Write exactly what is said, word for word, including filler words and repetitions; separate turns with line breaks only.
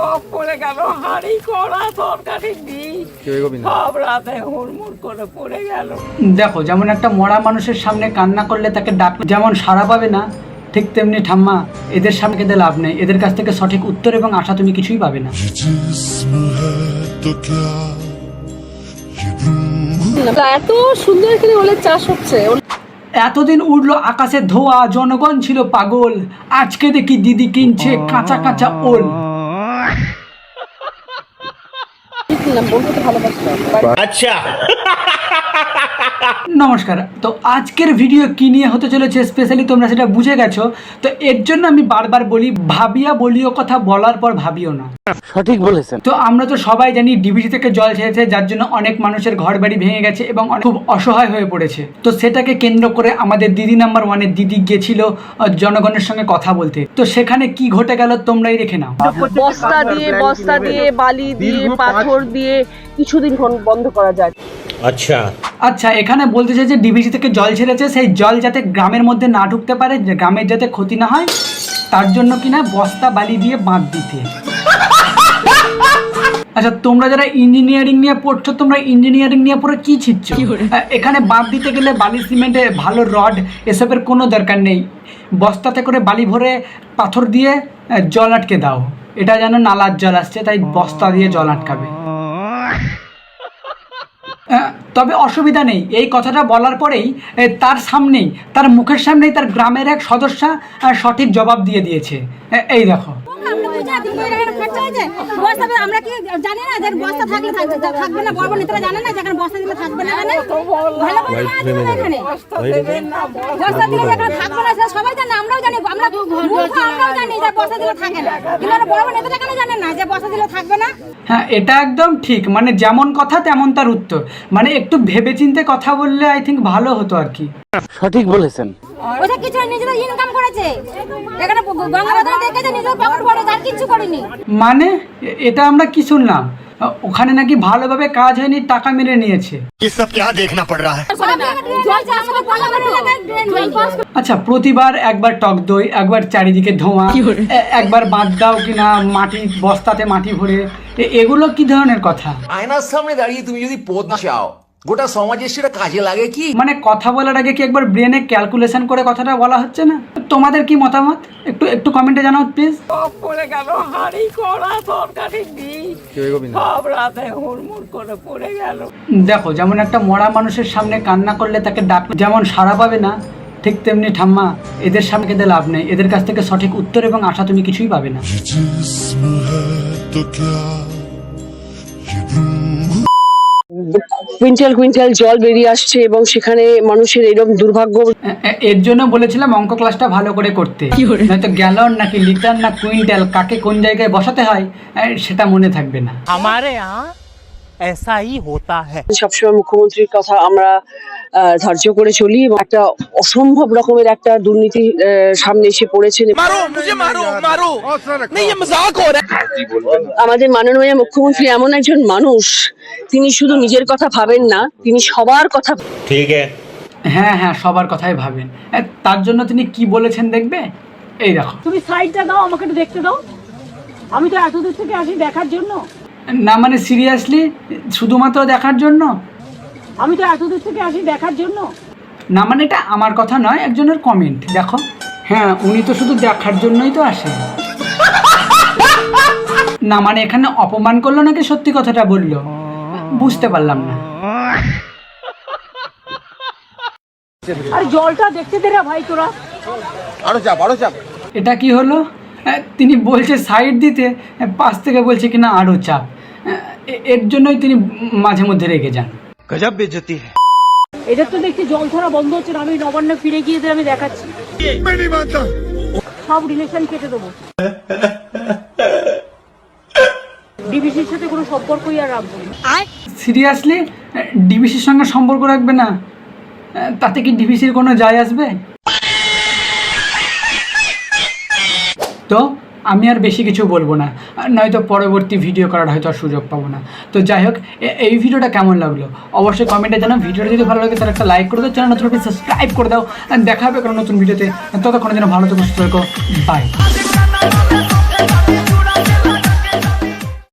সব পড়ে গেল, হাঁড়ি কড়া তরকারি ডিম সব রাতে হুড়মুড় করে পড়ে গেল।
দেখো, যেমন একটা মরা মানুষের সামনে কান্না করলে তাকে ডাক যেমন সাড়া পাবে না, ঠিক তেমনি ঠাম্মা এদের সামনে কেঁদে লাভ নেই। এদের কাছ থেকে সঠিক উত্তর এবং আশা তুমি কিছুই পাবে না।
এত সুন্দর এখানে ওলের চাষ হচ্ছে।
এতদিন উঠলো আকাশে ধোয়া, জনগণ ছিল পাগল। আজকে দেখি দিদি কিনছে কাঁচা কাঁচা ওল।
আচ্ছা,
নমস্কার। তো আজকের ভিডিও কি নিয়ে হতে চলেছে স্পেশালি তোমরা সেটা বুঝে গেছো। তো এর জন্য আমি বারবার বলি, ভাবিয়া বলিও কথা বলার পর ভাবিও না।
সঠিক বলেছেন।
তো আমরা তো সবাই জানি ডিবিসি থেকে জল ছেড়েছে, যার জন্য অনেক মানুষের ঘর বাড়ি ভেঙে গেছে এবং খুব অসহায় হয়ে পড়েছে। তো সেটাকে কেন্দ্র করে আমাদের দিদি নাম্বার ওয়ানের দিদি গিয়েছিল জনগণের সঙ্গে কথা বলতে। তো সেখানে কি ঘটে গেল তোমরাই দেখে নাও।
বস্তা দিয়ে বস্তা দিয়ে বালি দিয়ে পাথর দিয়ে কিছুদিন বন্ধ করা যায়।
আচ্ছা
আচ্ছা, এখানে বলতে চাই যে ডিবিসি থেকে জল ছেড়েছে, সেই জল যাতে গ্রামের মধ্যে না ঢুকতে পারে, গ্রামের যাতে ক্ষতি না হয়, তার জন্য কিনা বস্তা বালি দিয়ে বাঁধ দিতে। আচ্ছা, তোমরা যারা ইঞ্জিনিয়ারিং নিয়ে পড়ছো, তোমরা ইঞ্জিনিয়ারিং নিয়ে পড়ে কি ছিচ্ছ? এখানে বাঁধ দিতে গেলে বালি সিমেন্টে ভালো রড এসবের কোনো দরকার নেই। বস্তাতে করে বালি ভরে পাথর দিয়ে জল আটকে দাও। এটা যেন নালার জল আসছে, তাই বস্তা দিয়ে জল আটকাবে। তবে অসুবিধা নেই, এই কথাটা বলার পরেই তার সামনেই, তার মুখের সামনেই তার গ্রামের এক সদস্যা সঠিক জবাব দিয়ে দিয়েছে। এই দেখো,
আমরা কি জানি না যে বস্তা থাকলে থাকবে না, বড় নেতারা জানে না যে বস্তা দিলে থাকবে না, ভালো করে এখানে বস্তা দিলে থাকবে না সবাই জানে, আমরাও জানি, আমরা আমরাও জানি যে বস্তা দিলে থাকে না, কিন্তু বড় নেতারা কেন জানেন না যে বস্তা দিলে থাকবে না?
হ্যাঁ, এটা একদম ঠিক। মানে যেমন কথা তেমন তার উত্তর। মানে একটু ভেবেচিন্তে কথা বললে আই থিঙ্ক ভালো হতো আর কি।
সঠিক বলেছেন।
ওটা কিছু নিজেদের ইনকাম করেছে, এখানে গঙ্গাবাজারে দেখেছে নিজের পকেট ভরে, আর কিছু করেনি।
মানে এটা আমরা কি শুনলাম? ওখানে নাকি ভালোভাবে কাজ হয়নি, টাকা মেরে নিয়েছে। আচ্ছা, প্রতিবার একবার টক দই, একবার চারিদিকে ধোঁয়া, একবার বাদ দাও কিনা মাটি বস্তাতে মাটি ভরে, এগুলো কি ধরনের কথা?
আয়নার সামনে দাঁড়িয়ে তুমি যদি পদ চাও, গোটা সমাজের সেটা কাজে লাগে কি?
মানে কথা বলার আগে কি একবার ব্রেনে ক্যালকুলেশন করে কথাটা বলা হচ্ছে না? তোমাদের কি মতামত একটু একটু কমেন্টে জানাও প্লিজ।
সব পড়ে গেল, হাঁড়ি কড়া তরকারি ডিম সব রাতে হুড়মুড় করে পড়ে গেল।
দেখো, যেমন একটা মরা মানুষের সামনে কান্না করলে তাকে ডাক যেমন সাড়া পাবে না, ঠিক তেমনি ঠাম্মা এদের সামনে কেঁদে লাভ নেই। এদের কাছ থেকে সঠিক উত্তর এবং আশা তুমি কিছুই পাবে না।
কুইন্টাল কুইন্টাল জল বেরিয়ে আসছে এবং সেখানে মানুষের এরকম দুর্ভাগ্য।
এর জন্য বলেছিলাম অঙ্ক ক্লাসটা ভালো করে করতে, নয়তো গ্যালন নাকি লিটার না কুইন্টাল কাকে কোন জায়গায় বসাতে হয় সেটা মনে থাকবে না।
हमारे यहाँ ऐसा ही होता है।
সবসময় মুখ্যমন্ত্রীর কথা আমরা ধার্য করে চলি এবং একটা অসম্ভব রকমের একটা দুর্নীতি সামনে এসে পড়েছে। আমাদের মাননীয় মুখ্যমন্ত্রী এমন একজন মানুষ, তিনি শুধু নিজের কথা ভাবেন না, তিনি সবার কথা।
ঠিক
হ্যাঁ হ্যাঁ, সবার কথাই ভাবেন। তার জন্য তিনি কি বলেছেন দেখবে, এই দেখো।
তুমি সাইডটা দাও, আমাকে একটু দেখতে দাও। আমি তো এত দূর থেকে আসি দেখার জন্য।
না মানে সিরিয়াসলি শুধুমাত্র দেখার জন্য?
আমি তো এত দূর থেকে আসি দেখার জন্য।
না মানে এটা আমার কথা নয়, একজনের কমেন্ট দেখো। হ্যাঁ, উনি তো শুধু দেখার জন্যই তো আসে। না মানে এখানে অপমান করলো নাকি সত্যি কথাটা বললো বুঝতে পারলাম না।
আরে জলটা দেখতে দে রে ভাই তোরা।
আরো চাপ আরো চাপ।
এটা কি হলো? তিনি বলছে সাইড দিতে, পাশ থেকে বলছে কিনা আরো চাপ। এর জন্যই তিনি মাঝে মধ্যে রেগে যান।
গজব বেজতি।
এদের তো দেখছি জল ধরা বন্ধ হচ্ছে না। আমি নবান্ন ফিরে গিয়ে আমি দেখাচ্ছি, সব রিলেশন কেটে দেবো। ডিবিসির সাথে কোনো সম্পর্কই আর রাখবো না।
সিরিয়াসলি ডিবিসির সঙ্গে সম্পর্ক রাখবে না? তাতে কি ডিবিসির কোনো যায় আসবে? তো আমি আর বেশি কিছু বলবো না, নয়তো পরবর্তী ভিডিও করার হয়তো আর সুযোগ পাবো না। তো যাই হোক, এই ভিডিওটা কেমন লাগলো অবশ্যই কমেন্টে জানাও। ভিডিওটা যদি ভালো লাগে তাহলে একটা লাইক করে দাও, চ্যানেল নতুন সাবস্ক্রাইব করে দাও। দেখা হবে কোনো নতুন ভিডিওতে। ততক্ষণে যেন ভালো থেকো, সুস্থ থেকো। বাই।